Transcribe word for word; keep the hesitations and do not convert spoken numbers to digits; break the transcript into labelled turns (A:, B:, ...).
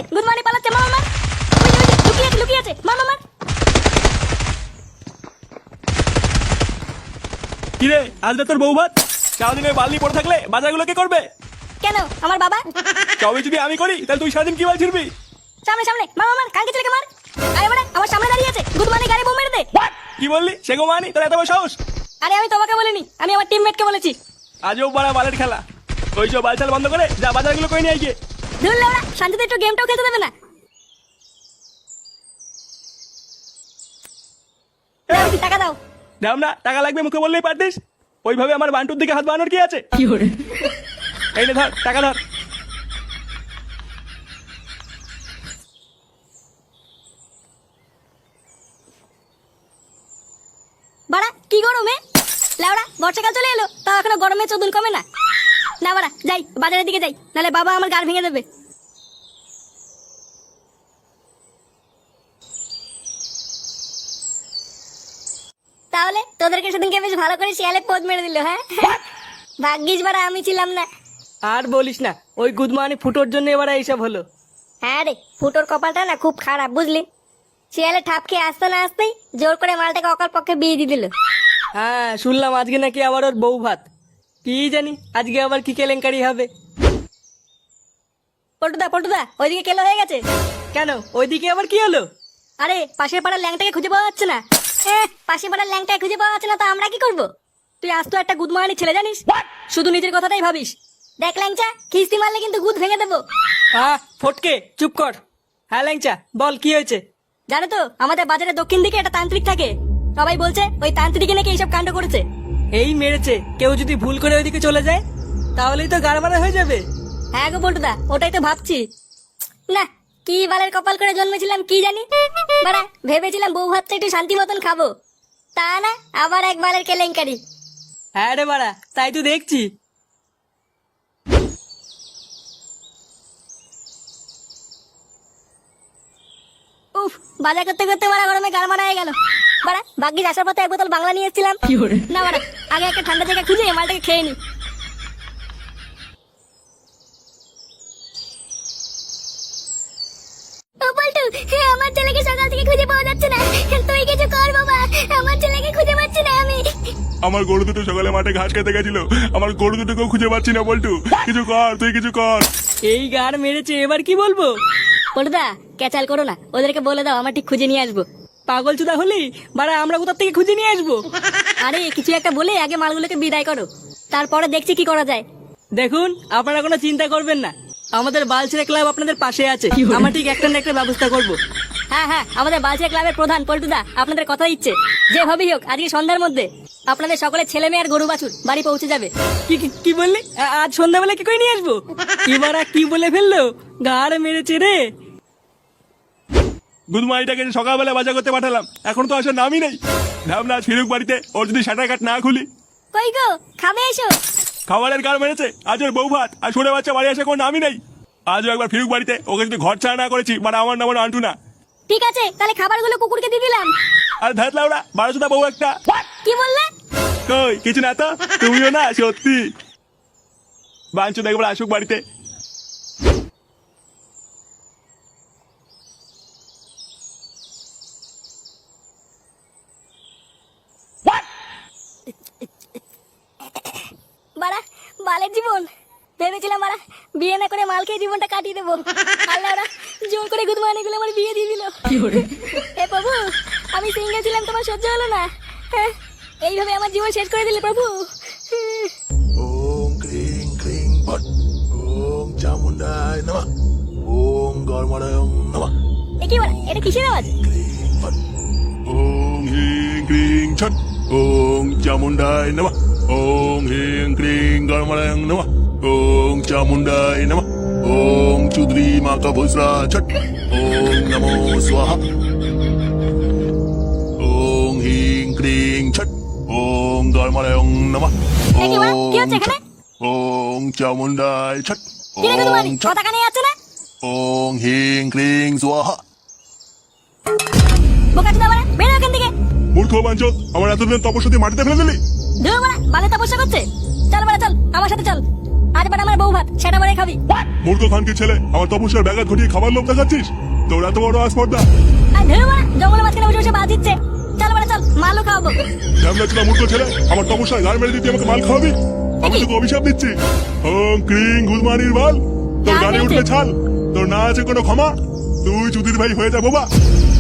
A: Good morning পালাচ্ছে, মার মার। ওই যে, ওই যে, লুকিয়ে আছে লুকিয়ে আছে, মার মার মার।
B: কি রে, আজ তোর বউ ভাত সারাদিন ওই বালি পড়ে থাকলে বাজারগুলো কে করবে?
A: কেন আমার বাবা?
B: তবে যদি আমি করি তাহলে তুই সারাদিন কি বাল ছিড়বি?
A: সামনে সামনে মার মার মার, কালকে ছেলেকে মার। আরে মানে আমার সামনে দাঁড়িয়ে আছে, গুড মর্নিং গাড়ি বোম মেরে দে।
B: কি বললি? সে গো মানি তোর এত বড় সাহস?
A: আরে আমি তোমাকে বলিনি, আমি আমার টিমমেটকে বলেছি।
B: আজও বড় বালের খেলা। ওই সব বালচাল বন্ধ করে যা বাজারগুলো করে নিয়ে আয় গিয়ে।
A: ধুর লেওড়া, শান্তিতে একটু গেমটাও খেলতে দেবে না। দাও, টাকা দাও।
B: দাম না, টাকা লাগবে মুখে বললেই পারতিস। ওইভাবে আমার বান্টুর দিকে হাত বানানোর কি আছে? এই নে ধর, টাকা ধর।
A: বাড়া কি গরমে লেওড়া, বর্ষাকাল চলে এলো তাও এখনো গরমে চোদন কমে না। না বাড়া যাই, বাজারের দিকে যাই, নাহলে বাবা আমার গাড় ভেঙে দেবে। তাহলে তোদেরকে সেদিনকে বেশ ভালো করে শিয়ালে পোদ মেরে দিল, হ্যাঁ? ভাগ্যিস বাড়া আমি ছিলাম না।
C: আর বলিস না, ওই গুদমানি ফুটোর জন্য এবার এইসব হলো।
A: হ্যাঁ রে, ফুটোর কপালটা না খুব খারাপ, বুঝলি? শিয়ালে ঠাপ খেয়ে আসতে না আসতেই জোর করে মালটাকে অকাল পক্ষে বিয়ে দিয়ে দিল।
C: হ্যাঁ, শুনলাম আজকে নাকি আবার ওর বউ ভাত। কি জানি আজকে আবার কি কেলেঙ্কারি হবে।
A: পল্টুদা পল্টুদা, ওইদিকে কেলো হয়ে গেছে।
C: কেন, ওইদিকে আবার কি হলো?
A: আরে পাশের পাড়ার ল্যাংটাকে খুঁজে পাওয়া যাচ্ছে না। হ্যাঁ, পাশের পাড়ার ল্যাংটাকে খুঁজে পাওয়া যাচ্ছে না তো আমরা কি করব? তুই আজ তো একটা গুদমারানি ছেলে, জানিস? শুধু নিজের কথাটাই ভাবিস। দেখ ল্যাংচা, খিস্তি মারলে কিন্তু গুদ ভেঙে দেবো।
C: আহ ফটকে চুপ কর। হ্যাঁ ল্যাংচা, বল কি হয়েছে?
A: জানো তো আমাদের বাজারের দক্ষিণ দিকে একটা তান্ত্রিক থাকে। সবাই বলছে ওই তান্ত্রিকে নাকি এইসব কাণ্ড করেছে।
C: এই মেরেছে, কেউ যদি ভুল করে ওইদিকে চলে যায় তাহলেই তো গাড়মারা হয়ে যাবে।
A: হ্যাঁ গো পল্টুদা, ওটাই তো ভাবছি। না, কি বালের কপাল করে জন্মেছিলাম কি জানি। বাড়া ভেবেছিলাম বউ ভাতটা একটু শান্তি মতন খাবো, তা না আবার এক বালের কেলেঙ্কারি।
C: হ্যাঁ রে বাড়া, তাই তো দেখছি।
A: উফ, বাজার করতে করতে বাড়া গরমে গাল মারা হয়ে গেল। বাড়া ভাগ্যিস আসার পথে এক বোতল বাংলা নিয়ে এসেছিলাম। না বাড়া, আগে একটা ঠান্ডা জায়গা খুঁজে মালটাকে খেয়ে নি। ও পল্টু, আমার ছেলেকে সকাল থেকে খুঁজে পাওয়া যাচ্ছে না। তুই কিছু কর বাবা, আমার ছেলেকে খুঁজে পাচ্ছি না আমি।
B: আমার গরু দুটো সকালে মাঠে ঘাস খেতে গেছিল, আমার গরু দুটোকেও খুঁজে পাচ্ছি না। বল্টু কিছু কর, তুই কিছু কর।
C: এই গাড় মেরেছে, এবার কি বলবো?
A: পল্টুদা ক্যাচাল করো না, ওদেরকে বলে দাও আমার ঠিক খুঁজে নিয়ে আসবো।
C: পাগল চুদা হলি বাড়া, আমরা কোথা থেকে খুঁজে নিয়ে আসবো?
A: আরে কিছু একটা বলে আগে মালগুলোকে বিদায় করো, তারপরে দেখছি কি করা যায়।
C: দেখুন, আপনারা কোনো চিন্তা করবেন না, আমাদের বালছেড়ে ক্লাব আপনাদের পাশে আছে। আমরা ঠিক একটা না একটা ব্যবস্থা করব।
A: হ্যাঁ হ্যাঁ, আমাদের বালচিয়া ক্লাবের প্রধান পল্টুদা আপনাদের কথা দিচ্ছে, যেভাবেই হোক আজকে সন্ধ্যার মধ্যে আপনাদের সকলের ছেলে মেয়ে আর গরু বাছুর বাড়ি পৌঁছে যাবে।
C: কি কি- কি বললি? আ- আজ সন্ধ্যাবেলা কি করে নিয়ে আসবো? এবার আর কি বলে ফেললো, গাড় মেরেছে রে।
B: গুদমাইটাকে সকালবেলা বাজার করতে পাঠালাম, এখন তো আসার নামই নেই। ভাবনা আজ ফিরুক বাড়িতে, ওর যদি শাটার কাট না খুলি।
A: কই গো, খাবে এসো।
B: খাবারের গাড় মেরেছে, আজ ওর বউ ভাত আর ছোট বাচ্চা বাড়ি আসে কোনো নামই নেই। আজও একবার ফিরুক বাড়িতে, ওকে যদি ঘর ছাড়া না করেছি মানে আমার নাম আন্টু না।
A: ঠিক আছে, তাহলে খাবারগুলো কুকুরকে দিয়ে দিলাম।
B: আর ধাত লাউড়া বারোশোটা বউ একটা।
A: কি বললে?
B: কই কিছু না তো, তুমিও না সত্যি। বাঞ্চু দেখবার আসুক বাড়িতে।
A: বাড়া বালের জীবন, ভেবেছিলাম বাড়া বিয়ে না করে মাল খেয়ে জীবনটা কাটিয়ে দেবো। আল্লাহ ওরা জোর করে গুদমানি গুলো আমার বিয়ে দিয়ে দিল। হে প্রভু, আমি সিঙ্গেল ছিলাম, তোমার সহ্য হলো না। হ্যাঁ, এইভাবে আমার জীবন শেষ করে দিলে প্রভু।
D: ওম ক্রিং ক্রিং ফট ওম চামুন্ডায় নমঃ ওম গর্মণায় নমঃ
A: এ কি বাড়া, এটা কিসের আওয়াজ?
D: ক্রিং ফট
B: ওম হিং ক্রিং ছট ওম চামুন্ডায় নমঃ ওম হিং ক্রিং গর্মণায় নমঃ ওম চামুন্ডায় নমঃ ওম চুদ্রি মাকা ভুসরা ছট ওম নমো স্বাহা ওম হিং ক্রিং ছট ওম গর্মণায় নমঃ
A: এ কি বাড়া, কি হচ্ছে এখানে?
D: ওম চামুন্ডায় ছট
A: কি রে গুদমানি,
D: ওম ছট
A: কথা কানে যাচ্ছে না?
D: ওম হিং ক্রিং স্বাহা।
A: বোকাচোদা বাড়া, বেরো এখান থেকে।
B: মূর্খ বাঞ্চত, আমার এতদিন তপস্যা দিয়ে মাটিতে ফেলে দিলি।
A: ধুর বাড়া, বালে তপস্যা করছে। চল বাড়া চল, আমার সাথে চল। আজ বাড়া আমার আমার বউ ভাত সেটা মারে খাবি।
B: মূর্খ খানকে ছেলে আমার তপস্যার ব্যাঘাত ঘটিয়ে খাবার লোভ দেখাচ্ছিস? তোর এত বড় আসপর্দা?
A: আর ধরো মারা জঙ্গলের মাঝখানে বসে বসে বাজ দিচ্ছে। চল মারা চল, মালও খাওয়াবো।
B: ঝামলা ছিল মূর্খ ছেলে, আমার তপস্যায় গাল মেরে দিতে আমাকে মাল খাওয়াবি? আমি তোকে অভিশাপ দিচ্ছি। ওং ক্রিং গুলমানির বাল, তোর গানে উঠলে ছাল, তোর না আছে কোনো ক্ষমা, তুই চুদির ভাই হয়ে যা বাবা।